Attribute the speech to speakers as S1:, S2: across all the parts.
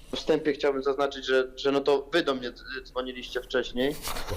S1: wstępie chciałbym zaznaczyć, że no to wy do mnie dzwoniliście wcześniej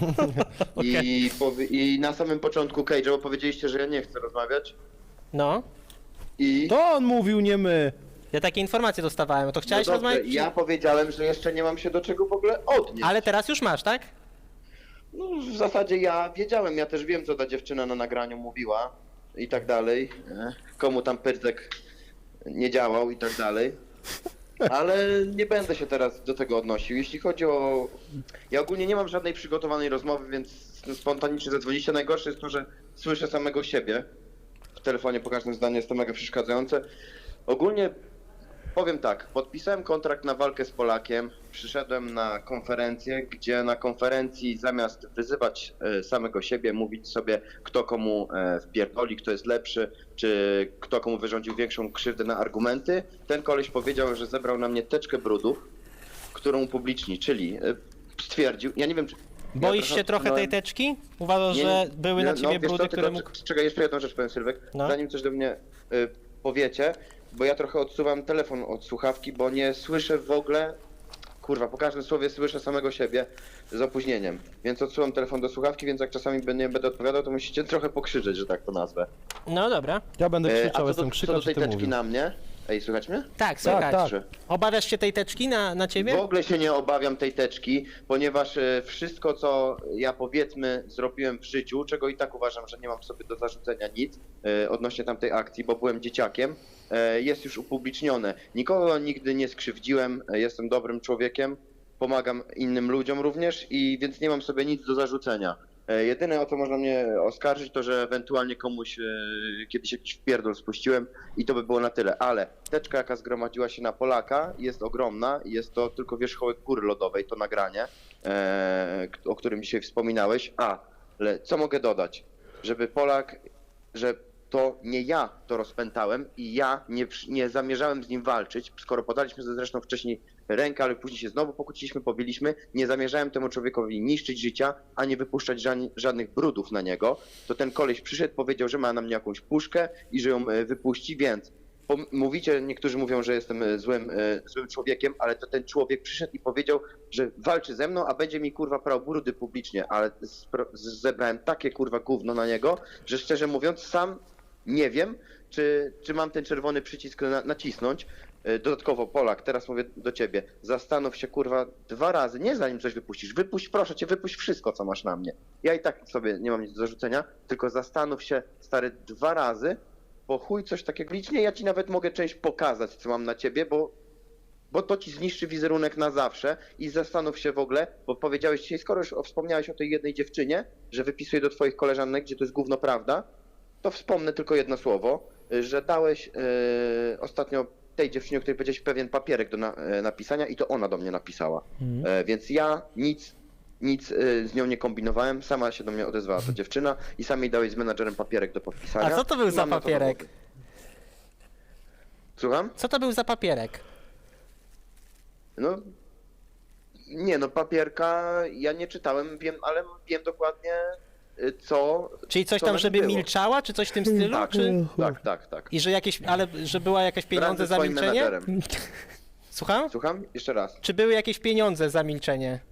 S1: i na samym początku Cage'a, bo powiedzieliście, że ja nie chcę rozmawiać
S2: No,
S1: i...
S3: To on mówił, nie my.
S2: ja takie informacje dostawałem, to chciałeś
S1: No dobrze,
S2: rozmawiać?
S1: ja powiedziałem, że jeszcze nie mam się do czego w ogóle odnieść.
S2: Ale teraz już masz, tak?
S1: No, w zasadzie ja wiedziałem, ja też wiem, co ta dziewczyna na nagraniu mówiła i tak dalej. Komu tam pyrtek nie działał i tak dalej. Ale nie będę się teraz do tego odnosił. Jeśli chodzi o... Ja ogólnie nie mam żadnej przygotowanej rozmowy, więc spontanicznie zadzwoniście. Najgorsze jest to, że słyszę samego siebie w telefonie po każdym zdaniu, jest to mega przeszkadzające. Ogólnie powiem tak, podpisałem kontrakt na walkę z Polakiem, przyszedłem na konferencję, gdzie na konferencji zamiast wyzywać samego siebie, mówić sobie kto komu wpierdoli, kto jest lepszy, czy kto komu wyrządził większą krzywdę na argumenty, ten koleś powiedział, że zebrał na mnie teczkę brudów, którą upubliczni, czyli stwierdził, ja nie wiem czy...
S2: Boisz
S1: ja
S2: się trochę tej
S1: utknąłem-
S2: teczki? Uważasz,
S1: Nie,
S2: że były na
S1: no,
S2: ciebie
S1: wiesz
S2: brudy,
S1: co,
S2: które
S1: tylko,
S2: mógł...
S1: Czekaj, jeszcze jedną rzecz powiem, Sylwek.
S2: No.
S1: Zanim coś do mnie powiecie, bo ja trochę odsuwam telefon od słuchawki, bo nie słyszę w ogóle... Kurwa, po każdym słowie słyszę samego siebie z opóźnieniem. Więc odsuwam telefon do słuchawki, więc jak czasami nie będę odpowiadał, to musicie trochę pokrzyczeć, że tak to nazwę.
S2: No dobra.
S3: Ja będę
S1: A
S3: krzyczał,
S1: co
S3: jestem
S1: do
S3: krzykacz,
S1: tej
S3: ty
S1: teczki
S3: mówił.
S1: na mnie... Ej, słychać mnie?
S2: Tak, słychać.
S3: tak.
S1: Czy-
S2: Obawiasz się tej teczki na ciebie?
S1: W ogóle się nie obawiam tej teczki, ponieważ wszystko, co ja powiedzmy zrobiłem w życiu, czego i tak uważam, że nie mam sobie do zarzucenia nic odnośnie tamtej akcji, bo byłem dzieciakiem, jest już upublicznione. Nikogo nigdy nie skrzywdziłem, jestem dobrym człowiekiem, pomagam innym ludziom również i więc nie mam sobie nic do zarzucenia. Jedyne, o co można mnie oskarżyć, to że ewentualnie komuś kiedyś jakiś wpierdol spuściłem i to by było na tyle, ale teczka, jaka zgromadziła się na Polaka, jest ogromna i jest to tylko wierzchołek góry lodowej, to nagranie, o którym dzisiaj wspominałeś, ale co mogę dodać, żeby Polak, że to nie ja to rozpętałem i ja nie zamierzałem z nim walczyć, skoro podaliśmy zresztą wcześniej rękę, ale później się znowu pokłóciliśmy, pobiliśmy, nie zamierzałem temu człowiekowi niszczyć życia, ani wypuszczać żadnych brudów na niego, to ten koleś przyszedł, powiedział, że ma na mnie jakąś puszkę i że ją wypuści, więc mówicie, niektórzy mówią, że jestem złym człowiekiem, ale to ten człowiek przyszedł i powiedział, że walczy ze mną, a będzie mi kurwa prał brudy publicznie, ale zebrałem takie kurwa gówno na niego, że szczerze mówiąc sam nie wiem, czy mam ten czerwony przycisk nacisnąć. Dodatkowo Polak, teraz mówię do ciebie, zastanów się kurwa 2 razy, nie zanim coś wypuścisz, wypuść, proszę cię, wypuść wszystko co masz na mnie. Ja i tak sobie nie mam nic do zarzucenia, tylko zastanów się stary 2 razy, bo chuj coś takiego licznie, ja ci nawet mogę część pokazać co mam na ciebie, bo to ci zniszczy wizerunek na zawsze i zastanów się w ogóle, bo powiedziałeś dzisiaj, skoro już wspomniałeś o tej jednej dziewczynie, że wypisuje do twoich koleżanek, gdzie to jest gówno prawda, to wspomnę tylko jedno słowo, że dałeś ostatnio tej dziewczynie, o której powiedziałeś, pewien papierek do napisania i to ona do mnie napisała. Więc ja nic z nią nie kombinowałem, sama się do mnie odezwała ta dziewczyna i sam jej dałeś z menadżerem papierek do podpisania.
S2: A co to był
S1: I
S2: za
S1: mam na to
S2: papierek?
S1: dowody. Słucham?
S2: Co to był za papierek?
S1: No, nie no, papierka ja nie czytałem, wiem, ale wiem dokładnie co...
S2: Czyli coś
S1: co
S2: tam,
S1: na nim
S2: żeby
S1: było.
S2: milczała, czy coś w tym stylu?
S1: Tak,
S2: Czy...
S1: tak.
S2: I że jakieś, ale że była jakieś pieniądze
S1: Razem z
S2: za
S1: swoim
S2: milczenie?
S1: menadżerem.
S2: Słucham?
S1: Słucham? Jeszcze raz.
S2: Czy były jakieś pieniądze za milczenie?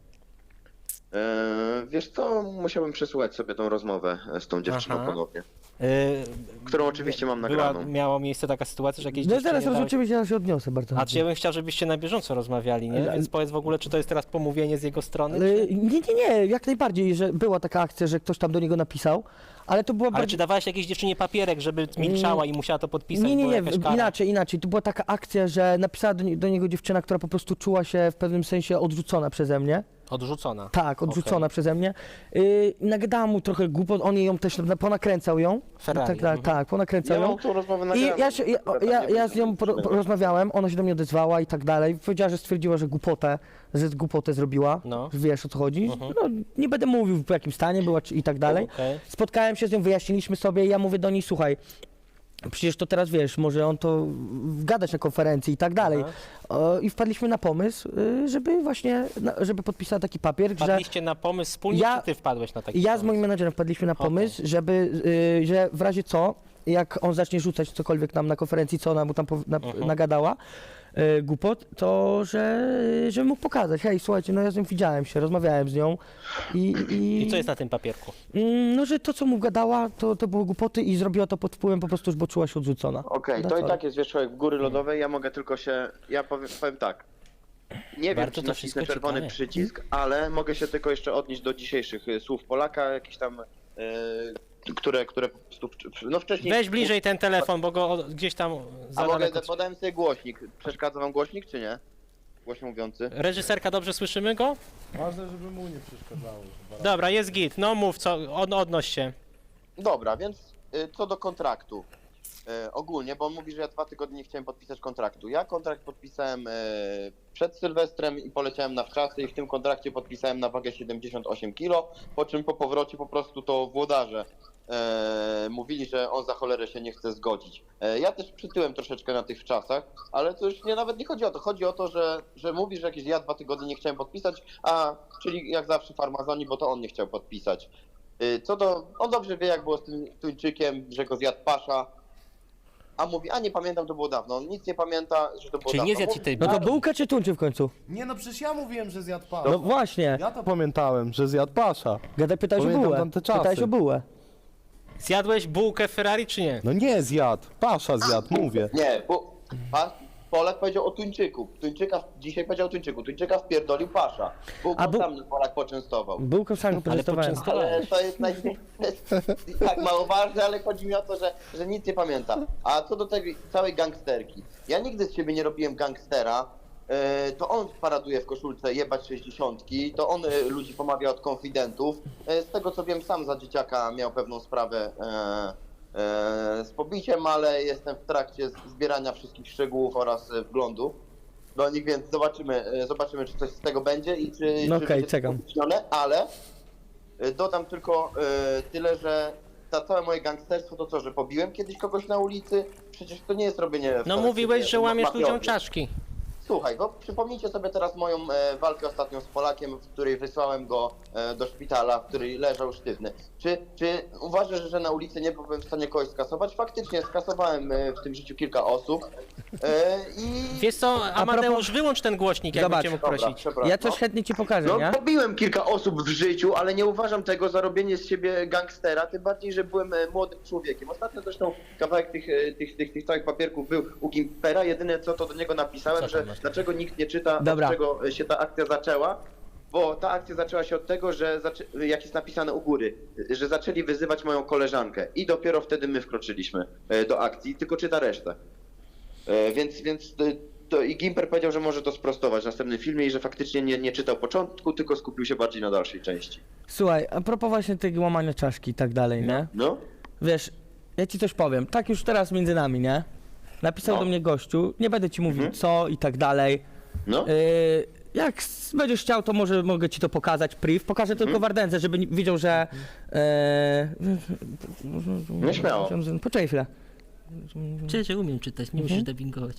S1: Wiesz co, musiałbym przesłuchać sobie tą rozmowę z tą dziewczyną
S2: Aha.
S1: ponownie,
S2: Yy,
S1: którą oczywiście mam nagraną.
S2: miała miejsce taka sytuacja, że jakieś
S3: No
S2: dziewczynie
S3: zaraz
S2: dały-
S3: oczywiście ja się odniosę bardzo.
S2: A czy ja bym chciał, żebyście na bieżąco rozmawiali, nie?
S3: Ale-
S2: Więc powiedz w ogóle, czy to jest teraz pomówienie z jego strony?
S3: Ale nie, jak najbardziej, że była taka akcja, że ktoś tam do niego napisał, ale to była
S2: Ale czy
S3: bardziej...
S2: dawałeś jakiejś dziewczynie papierek, żeby milczała i musiała to podpisać?
S3: Nie,
S2: była jakaś kara?
S3: inaczej. To była taka akcja, że napisała do niego dziewczyna, która po prostu czuła się w pewnym sensie odrzucona przeze mnie.
S2: Odrzucona.
S3: Tak, odrzucona
S2: Okej.
S3: przeze mnie. Nagadała mu trochę głupot, on ją też ponakręcał ją.
S2: Ferrari,
S3: Tak, ponakręcał
S1: Ja
S3: ją.
S1: mam tą rozmowę
S3: I
S1: nagraną.
S3: ja z nią porozmawiałem, ona się do mnie odezwała i tak dalej. Powiedziała, że stwierdziła, że głupotę zrobiła.
S2: No.
S3: Wiesz o co chodzi?
S2: Mhm.
S3: No, nie będę mówił w jakim stanie była i tak dalej.
S2: Okej.
S3: Spotkałem się z nią, wyjaśniliśmy sobie i ja mówię do niej, słuchaj, przecież to teraz wiesz, może on to gadać na konferencji i tak dalej. I wpadliśmy na pomysł, żeby właśnie, żeby podpisała taki papier, że
S2: Wpadliście na pomysł wspólnie,
S3: Ja-
S2: czy ty wpadłeś na taki
S3: ja z
S2: pomysł?
S3: moim menadżerem wpadliśmy na pomysł, żeby, że w razie co, jak on zacznie rzucać cokolwiek nam na konferencji, co ona mu tam nagadała, głupot, to że mógł pokazać, hej, słuchajcie, no ja z nią widziałem się, rozmawiałem z nią
S2: I co jest na tym papierku?
S3: No, że to, co mu gadała, to były głupoty i zrobiła to pod wpływem po prostu, już bo czuła się odrzucona.
S1: Okej,
S3: No
S1: to
S3: co?
S1: i tak jest wierzchołek w góry lodowej, ja mogę tylko się, ja powiem tak. Nie wiem,
S2: Bardzo
S1: czy
S2: to wszystko
S1: nacisnę czerwony
S2: ciekawe.
S1: przycisk, ale mogę się tylko jeszcze odnieść do dzisiejszych słów Polaka, jakieś tam, które po prostu, no wcześniej...
S2: Weź bliżej ten telefon, bo go gdzieś tam za
S1: A mogę,
S2: daleko.
S1: podałem sobie głośnik. Przeszkadza wam głośnik, czy nie? Głośno mówiący.
S2: Reżyserka, dobrze słyszymy go?
S4: Ważne, żeby mu nie przeszkadzało.
S2: Dobra, jest git. No mów, odnoś się.
S1: Dobra, więc co do kontraktu. Ogólnie, bo on mówi, że ja 2 tygodnie nie chciałem podpisać kontraktu. Ja kontrakt podpisałem przed Sylwestrem i poleciałem na wczasy i w tym kontrakcie podpisałem na wagę 78 kg, po czym po powrocie po prostu to włodarze mówili, że on za cholerę się nie chce zgodzić. Ja też przytyłem troszeczkę na tych wczasach, ale to już nawet nie chodzi o to. Chodzi o to, że mówi, że jakieś ja 2 tygodnie nie chciałem podpisać, czyli jak zawsze farmazoni, bo to on nie chciał podpisać. On dobrze wie, jak było z tym Tuńczykiem, że go zjadł pasza. A mówi, nie pamiętam, to było dawno. On nic nie pamięta, że to było
S2: Czyli
S1: dawno.
S2: nie zjadł ci tej
S3: No to
S2: bułki.
S3: bułka czy tuńczy w końcu?
S4: Nie no, przecież ja mówiłem, że zjadł pas.
S3: No właśnie,
S4: Ja to pamiętałem, że zjadł pasza.
S3: pytałeś o
S4: Pamiętam
S3: bułę,
S4: tamte czasy.
S3: pytałeś o bułę.
S2: Zjadłeś bułkę Ferrari, czy nie?
S4: No nie zjadł, pasza zjadł, mówię.
S1: Nie, bo Polak powiedział o Tuńczyku. Dzisiaj powiedział o Tuńczyku. Tuńczyka wpierdolił pasza. Bułką sam mnie Polak poczęstował.
S3: Bułkę sam
S2: Ale
S3: poczęstowałem.
S1: Ale to jest tak mało ważne, ale chodzi mi o to, że nic nie pamięta. A co do tej całej gangsterki. Ja nigdy z siebie nie robiłem gangstera. To on paraduje w koszulce jebać 60, to on ludzi pomawia od konfidentów. Z tego co wiem, sam za dzieciaka miał pewną sprawę z pobiciem, ale jestem w trakcie zbierania wszystkich szczegółów oraz wglądu do nich, więc zobaczymy, czy coś z tego będzie i czy
S3: No okej,
S1: będzie
S3: czekam.
S1: upublicznione, ale dodam tylko tyle, że całe moje gangsterstwo to co, że pobiłem kiedyś kogoś na ulicy? Przecież to nie jest robienie...
S2: No mówiłeś, że łamiesz
S1: mafiozy.
S2: ludziom czaszki.
S1: Słuchaj, bo przypomnijcie sobie teraz moją walkę ostatnią z Polakiem, w której wysłałem go do szpitala, w której leżał sztywny. Czy uważasz, że na ulicy nie byłbym w stanie kogoś skasować? Faktycznie skasowałem w tym życiu kilka osób i...
S2: Wiesz co, Amadeusz, wyłącz ten głośnik, jakbym
S3: Zobacz.
S2: cię mógł
S1: Dobra,
S2: prosić.
S1: przepraszam.
S3: Ja coś chętnie ci pokażę,
S1: No,
S3: nie?
S1: pobiłem kilka osób w życiu, ale nie uważam tego za robienie z siebie gangstera, tym bardziej, że byłem młodym człowiekiem. Ostatnio zresztą kawałek tych całych papierków był u Gimpera, jedyne co to do niego napisałem,
S2: Co
S1: że
S2: tam masz?
S1: dlaczego nikt nie czyta,
S3: Dobra.
S1: od czego się ta akcja zaczęła. Bo ta akcja zaczęła się od tego, że jak jest napisane u góry, że zaczęli wyzywać moją koleżankę i dopiero wtedy my wkroczyliśmy do akcji, tylko czyta resztę. Więc to i Gimper powiedział, że może to sprostować w następnym filmie i że faktycznie nie czytał początku, tylko skupił się bardziej na dalszej części.
S3: Słuchaj, a propos właśnie tego łamania czaszki i tak dalej, nie?
S1: No?
S3: Wiesz, ja ci coś powiem, tak już teraz między nami, nie? Napisał
S1: No.
S3: do mnie gościu, nie będę ci mówił co i tak dalej.
S1: No?
S3: Jak będziesz chciał, to może mogę ci to pokazać, priv. Pokażę tylko Wardędze, żeby widział, że...
S1: No śmiało.
S3: Poczekaj chwilę.
S2: Cześć, ja umiem czytać, nie musisz dubbingować.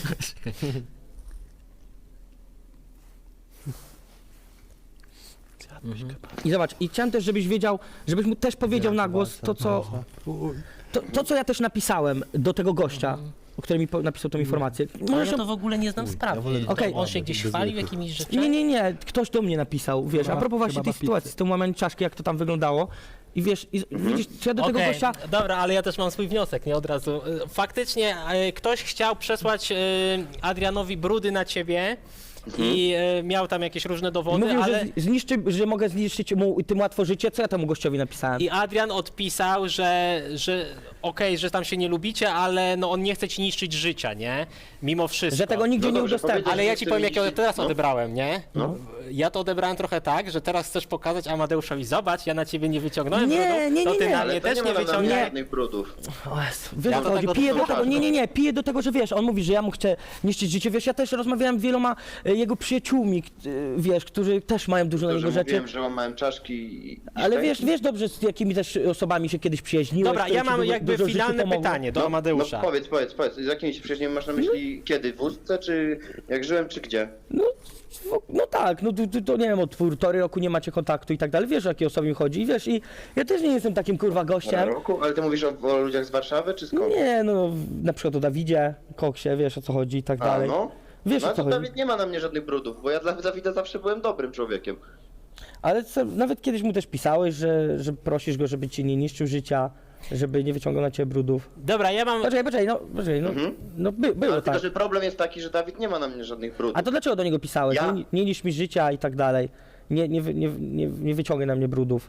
S3: I zobacz, i chciałem też, żebyś wiedział, żebyś mu też powiedział na głos to, co ja też napisałem do tego gościa, który mi napisał tą informację.
S2: Ale
S3: Możesz
S2: ja to w ogóle nie znam sprawy.
S3: Okej.
S2: On się gdzieś chwalił jakimiś rzeczami?
S3: Nie, ktoś do mnie napisał, wiesz, a propos właśnie tej sytuacji z tym łamaniem czaszki, jak to tam wyglądało. I wiesz, widzisz, czy ja do tego
S2: Okej,
S3: gościa...
S2: dobra, ale ja też mam swój wniosek, nie od razu. Faktycznie ktoś chciał przesłać Adrianowi brudy na ciebie i miał tam jakieś różne dowody,
S3: Mówił,
S2: ale...
S3: że mogę zniszczyć mu tym łatwo życie, co ja temu gościowi napisałem?
S2: I Adrian odpisał, że okej, że tam się nie lubicie, ale no on nie chce ci niszczyć życia, nie? Mimo wszystko.
S3: Że tego nigdzie
S1: No
S3: nie
S1: dobrze,
S3: udostępnię.
S1: powiedzieć,
S2: Ale ja
S1: że
S2: ci
S1: chce
S2: powiem, jak ja
S1: niszczyć-
S2: teraz
S1: no.
S2: odebrałem, nie?
S1: No.
S2: Ja to odebrałem trochę tak, że teraz chcesz pokazać Amadeuszowi, zobacz, ja na ciebie nie wyciągnąłem
S3: Nie,
S2: brudu,
S3: nie,
S2: to
S3: nie,
S2: ty
S3: nie.
S2: na
S1: Ale
S2: mnie
S1: to
S2: też
S1: nie
S2: nie
S1: ma na mnie
S2: wyciągnąłeś.
S1: żadnych brudów.
S3: O Jezu, wiesz
S2: Ja
S3: o
S2: do
S3: co chodzi,
S2: tego
S3: piję do
S2: doprowadzę.
S3: tego, nie, piję do tego, że wiesz, on mówi, że ja mu chcę niszczyć życie, wiesz, ja też rozmawiałem z wieloma jego przyjaciółmi, wiesz, którzy też mają dużo na
S1: To,
S3: niego
S1: że
S3: rzeczy.
S1: mówiłem, że łamałem czaszki i
S3: Ale
S1: szczęki.
S3: wiesz dobrze, z jakimi też osobami się kiedyś przyjaźniłeś.
S2: Dobra,
S3: które
S2: ja
S3: ci
S2: mam jakby
S3: dużo w życiu
S2: finalne
S3: pomogły.
S2: pytanie do Amadeusza.
S1: No powiedz, z jakimi się przyjaźniami masz na myśli kiedy? W Ustce, czy jak żyłem, czy gdzie?
S3: No tak, no to nie wiem, od 1,5 roku nie macie kontaktu i tak dalej, wiesz o jakie osoby mi chodzi i wiesz, i ja też nie jestem takim kurwa gościem.
S1: Roku? Ale ty mówisz o ludziach z Warszawy, czy skąd?
S3: Nie, no na przykład o Dawidzie, Koksie, wiesz o co chodzi i tak
S1: A,
S3: dalej.
S1: no?
S3: Wiesz
S1: No
S3: o co
S1: to
S3: chodzi.
S1: Dawid nie ma na mnie żadnych brudów, bo ja dla Dawida zawsze byłem dobrym człowiekiem.
S3: Ale nawet kiedyś mu też pisałeś, że prosisz go, żeby ci nie niszczył życia, żeby nie wyciągał na ciebie brudów.
S2: Dobra, ja mam...
S3: Poczekaj, było
S1: Ale
S3: tak.
S1: tylko, że problem jest taki, że Dawid nie ma na mnie żadnych brudów.
S3: A to dlaczego do niego pisałeś?
S1: Ja?
S3: Nie niszcz mi życia i tak dalej. Nie wyciągaj na mnie brudów.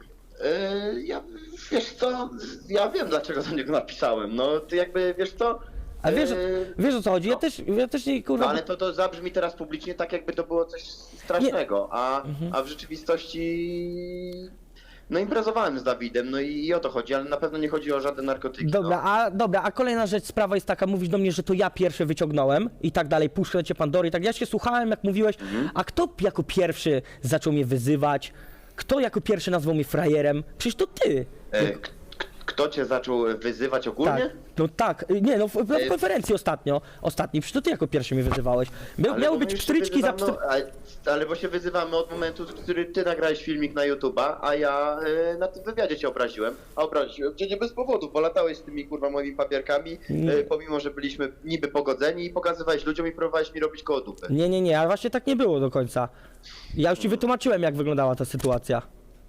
S1: Wiesz co, ja wiem dlaczego do niego napisałem, no ty jakby, wiesz co?
S3: A wiesz o co chodzi?
S1: no.
S3: Ja też nie kurwa.
S1: No ale to zabrzmi teraz publicznie tak, jakby to było coś strasznego, a w rzeczywistości... No imprezowałem z Dawidem, no i o to chodzi, ale na pewno nie chodzi o żadne narkotyki.
S3: Dobra, a kolejna rzecz, sprawa jest taka, mówisz do mnie, że to ja pierwszy wyciągnąłem i tak dalej, puszczę cię Pandory i tak. Ja się słuchałem, jak mówiłeś, a kto jako pierwszy zaczął mnie wyzywać? Kto jako pierwszy nazwał mnie frajerem? Przecież to ty.
S1: Kto cię zaczął wyzywać ogólnie?
S3: Tak, no tak, nie no, w konferencji ostatniej, przecież to ty jako pierwszy mnie wyzywałeś.
S1: Ale
S3: Miały
S1: bo
S3: być
S1: my się
S3: pstryczki za
S1: wyzywamy, ale bo się wyzywamy od momentu, w którym ty nagrałeś filmik na YouTube'a, a ja na tym wywiadzie cię obraziłem. A obraziłem cię nie bez powodu, bo latałeś z tymi kurwa moimi papierkami, pomimo że byliśmy niby pogodzeni i pokazywałeś ludziom i próbowałeś mi robić koło dupy.
S3: Nie, ale właśnie tak nie było do końca. Ja już ci wytłumaczyłem, jak wyglądała ta sytuacja.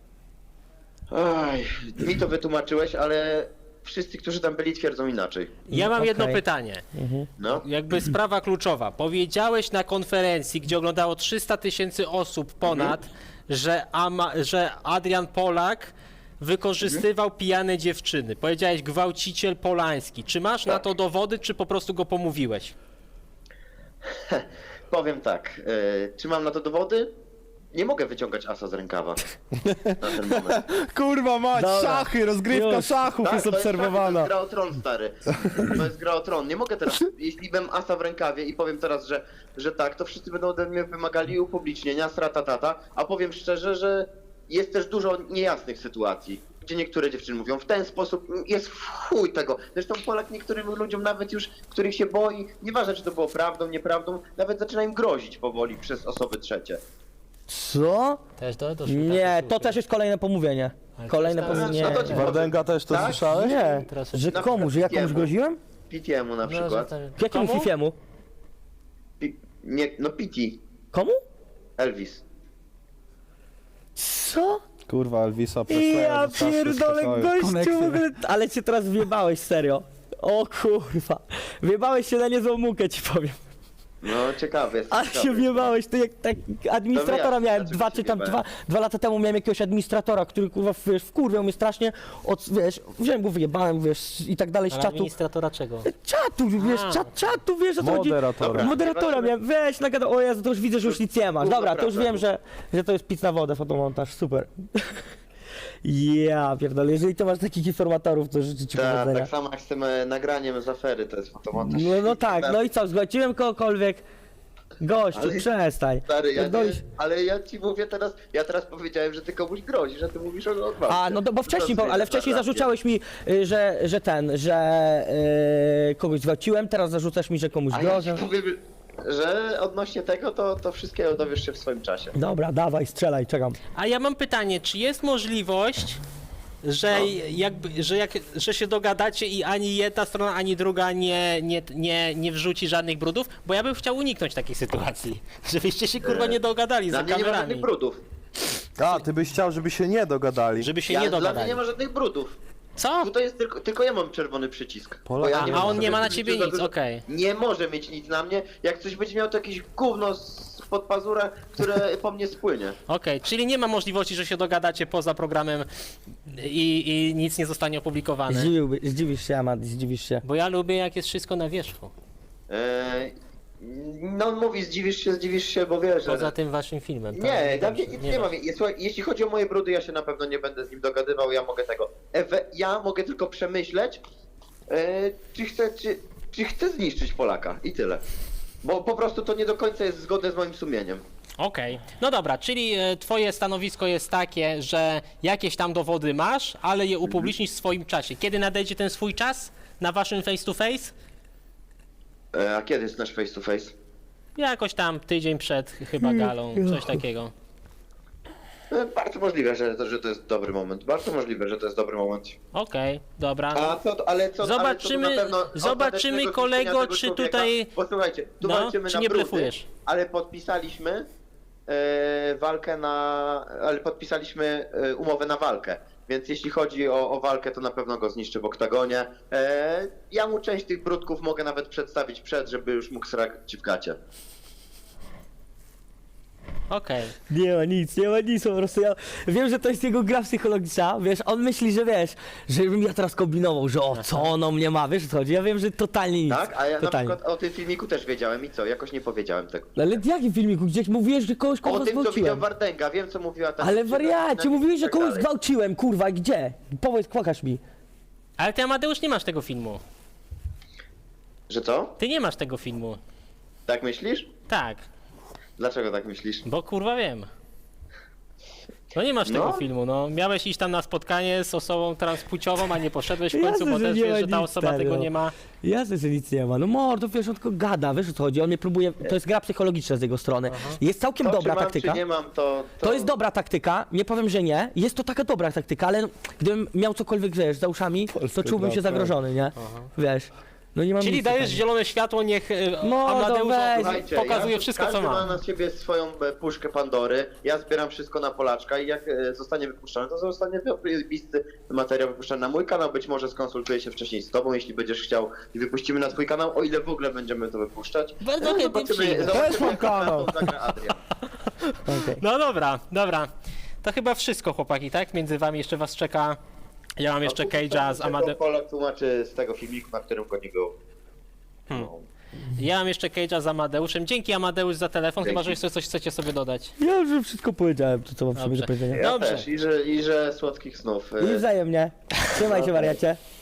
S1: Aj, mi to wytłumaczyłeś, ale wszyscy, którzy tam byli, twierdzą inaczej.
S2: Ja mam jedno
S3: Okej.
S2: pytanie.
S1: No.
S2: Jakby sprawa kluczowa. Powiedziałeś na konferencji, gdzie oglądało 300 000 osób ponad, że Adrian Polak wykorzystywał pijane dziewczyny. Powiedziałeś gwałciciel polański. Czy masz na to dowody, czy po prostu go pomówiłeś?
S1: Powiem tak, czy mam na to dowody? Nie mogę wyciągać asa z rękawa na ten moment.
S4: Kurwa mać,
S3: Dobra.
S4: szachy, rozgrywka
S3: Już.
S4: szachów jest
S1: to
S4: obserwowana.
S1: to jest gra o tron, stary. To jest gra o tron. Nie mogę teraz, jeśli bym asa w rękawie i powiem teraz, że tak, to wszyscy będą ode mnie wymagali upublicznienia, sratatata, a powiem szczerze, że jest też dużo niejasnych sytuacji, gdzie niektóre dziewczyny mówią w ten sposób, jest w chuj tego. Zresztą Polak niektórym ludziom nawet już, których się boi, nieważne czy to było prawdą, nieprawdą, nawet zaczyna im grozić powoli przez osoby trzecie.
S3: Co?
S2: Też to
S3: Nie, to też jest kolejne pomówienie. Kolejne
S2: to jest-
S3: pomówienie.
S1: no to ci-
S4: Wardęga też to
S1: Tak?
S4: słyszałeś?
S3: Nie,
S2: Teraz-
S3: że
S1: Na
S3: komu, że ja komuś
S1: przykład
S3: groziłem?
S1: Pitiemu na przykład.
S3: Jakiemu
S2: Komu?
S3: Fifiemu?
S1: Nie, no Piti,
S3: Komu?
S1: Elvis.
S3: Co?
S4: Kurwa, Elvisa Presleya
S3: Ja
S4: zawsze
S3: pierdolę,
S4: słyszałem.
S3: gościu, w ogóle, ale cię teraz wjebałeś, serio. O kurwa, wjebałeś się na niezłą mukę, ci powiem.
S1: No ciekawy jest.
S3: Ale się wjebałeś, to jak tak administratora
S1: Dobra,
S3: miałem
S1: dlaczego
S3: dwa
S1: się
S3: czy tam
S1: wjebałem?
S3: dwa lata temu miałem jakiegoś administratora, który kurwa wiesz, wkurwiał mnie strasznie, wiesz, wziąłem go, wyjebałem, wiesz, i tak dalej z
S2: Ale
S3: czatu.
S2: administratora czego?
S3: Czatu, wiesz, czatu, wiesz o co chodzi.
S4: Moderatora.
S1: Dobra.
S3: Moderatora miałem, weź, nagadał, o Jezu, to już widzę, że już nic nie masz.
S1: Kurwa,
S3: Dobra, to już
S1: prawda.
S3: wiem, że to jest pic na wodę, fotomontaż, super. Ja pierdolę, jeżeli to masz takich informatorów, to życzę ci powodzenia.
S1: Tak samo jak z tym nagraniem z afery, to jest fotomontaż.
S3: No tak, no i co, zgłosiłem kogokolwiek? Gościu,
S1: Ale-
S3: przestań.
S1: Stary,
S3: Pierdolisz.
S1: ale ja ci mówię teraz, ja teraz powiedziałem, że ty komuś grozisz, a ty mówisz o odwrocie.
S3: A, no bo wcześniej,
S1: To
S3: ale wcześniej
S1: narrację.
S3: zarzucałeś mi, że kogoś zwalczyłem, teraz zarzucasz mi, że komuś
S1: A ja
S3: grożę.
S1: ci powiem, że odnośnie tego, to wszystkiego dowiesz się w swoim czasie.
S3: Dobra, dawaj, strzelaj, czekam.
S2: A ja mam pytanie, czy jest możliwość, że że się dogadacie i ani jedna strona, ani druga nie wrzuci żadnych brudów? Bo ja bym chciał uniknąć takiej sytuacji, żebyście się kurwa nie dogadali
S1: Dla
S2: za
S1: mnie nie ma
S2: kamerami.
S1: żadnych brudów.
S4: A, ty byś chciał, żeby się nie dogadali.
S2: Żeby się
S1: Ja,
S2: nie
S1: dla mnie
S2: dogadali.
S1: nie ma żadnych brudów.
S2: Co?
S1: Tutaj jest tylko ja mam czerwony przycisk.
S4: Polak-
S1: Bo ja
S2: A
S1: mam
S2: on
S1: sobie
S2: nie ma na
S1: w
S2: ciebie
S1: życiu za
S2: nic,
S1: dużo-
S2: okej.
S1: Nie może mieć nic na mnie. Jak coś będzie miał, to jakieś gówno spod pazura, które po mnie spłynie.
S2: Okej, czyli nie ma możliwości, że się dogadacie poza programem i nic nie zostanie opublikowane.
S3: Zdziwisz się, Amad, zdziwisz się.
S2: Bo ja lubię, jak jest wszystko na wierzchu.
S1: No mówi, zdziwisz się, bo wiesz, że...
S2: Poza tym waszym filmem. tak?
S1: Nie, dla
S2: Dobrze,
S1: mnie nic nie ma. Słuchaj, jeśli chodzi o moje brudy, ja się na pewno nie będę z nim dogadywał, ja mogę tego... Ja mogę tylko przemyśleć, czy chcę zniszczyć Polaka i tyle. Bo po prostu to nie do końca jest zgodne z moim sumieniem.
S2: Okej. No dobra, czyli twoje stanowisko jest takie, że jakieś tam dowody masz, ale je upublicznisz w swoim czasie. Kiedy nadejdzie ten swój czas na waszym face to face?
S1: A kiedy jest nasz face to face?
S2: Jakoś tam tydzień przed chyba galą, coś takiego.
S1: Bardzo możliwe, że to jest dobry moment. Bardzo możliwe, że to jest dobry moment.
S2: Okej, dobra.
S1: A co, ale co,
S2: Zobaczymy-
S1: ale co do na pewno
S2: zobaczymy,
S1: ostatecznego
S2: kolego,
S1: zniszczenia tego
S2: czy
S1: człowieka?
S2: tutaj-
S1: Bo słuchajcie, tu
S2: No,
S1: walczymy
S2: czy
S1: na
S2: nie
S1: brudy,
S2: blefujesz?
S1: ale podpisaliśmy walkę ale podpisaliśmy umowę na walkę. Więc jeśli chodzi o walkę, to na pewno go zniszczę w oktagonie. Ja mu część tych brudków mogę nawet przedstawić żeby już mógł srać w gacie.
S2: Okej.
S3: Nie ma nic, po prostu ja wiem, że to jest jego gra psychologiczna, wiesz, on myśli, że wiesz, żebym ja teraz kombinował, że o, co on o mnie ma, wiesz o co chodzi, ja wiem, że totalnie nic,
S1: Tak? A ja
S3: totalnie.
S1: na przykład o tym filmiku też wiedziałem i co? Jakoś nie powiedziałem tego.
S3: Ale w jakim filmiku, gdzieś mówiłeś, że kogoś
S1: O
S3: kurwa
S1: tym, co widział
S3: zgwałciłem.
S1: Wardęga, wiem co mówiła ta
S3: Ale
S1: dziewczyna,
S3: wariacie,
S1: i
S3: mówiłeś, że
S1: tak
S3: kogoś
S1: dalej.
S3: zgwałciłem, kurwa, gdzie? Powiedz, pokaż mi.
S2: Ale ty, Amadeusz, nie masz tego filmu.
S1: Że co?
S2: Ty nie masz tego filmu.
S1: Tak myślisz?
S2: Tak,
S1: Dlaczego tak myślisz?
S2: bo kurwa wiem. No nie masz tego
S1: No.
S2: filmu, no. Miałeś iść tam na spotkanie z osobą transpłciową, a nie poszedłeś w końcu,
S3: Jasne,
S2: bo
S3: że
S2: też
S3: nie
S2: wiesz,
S3: ma
S2: że ta
S3: nic,
S2: osoba
S3: stary,
S2: tego
S3: no.
S2: nie ma.
S3: Jasne, że nic nie ma, no mordo, wiesz, on tylko gada, wiesz o co chodzi, on mnie próbuje, to jest gra psychologiczna z jego strony. Jest całkiem
S1: To,
S3: dobra
S1: czy mam,
S3: taktyka.
S1: Czy nie mam, to...
S3: To jest dobra taktyka, nie powiem, że nie. Jest to taka dobra taktyka, ale gdybym miał cokolwiek, wiesz, za uszami, to czułbym się
S4: gra,
S3: zagrożony, nie? Wiesz, no nie mam
S2: Czyli
S3: nic
S2: dajesz
S3: takiego.
S2: zielone światło, niech
S3: No,
S2: Amadeusz
S3: weź.
S1: Słuchajcie,
S2: pokazuje wszystko, co
S1: każdy
S2: ma.
S1: ma na siebie swoją puszkę Pandory. Ja zbieram wszystko na Polaczka i jak zostanie wypuszczone, to zostanie wypisty materiał wypuszczony na mój kanał. Być może skonsultuję się wcześniej z tobą, jeśli będziesz chciał i wypuścimy na twój kanał, o ile w ogóle będziemy to wypuszczać.
S2: Bardzo chętnie przyjdę.
S4: Też mam
S1: jak
S4: kanał.
S1: to zagra Adrian.
S3: Okej.
S2: No dobra, dobra. To chyba wszystko, chłopaki, tak? Między wami jeszcze was czeka. Ja mam jeszcze Cage'a z Amadeuszem.
S1: Polak tłumaczy z tego filmiku, na którym go nie było. No.
S2: Ja mam jeszcze Cage'a z Amadeuszem. Dzięki, Amadeusz, za telefon, chyba że
S1: Dzięki.
S2: jeszcze coś chcecie sobie dodać.
S3: Ja już wszystko powiedziałem, to co mam w sobie do
S2: Dobrze.
S3: powiedzenia.
S1: Ja
S2: Dobrze.
S1: też i że słodkich snów.
S3: I wzajemnie. Trzymaj się, wariacie.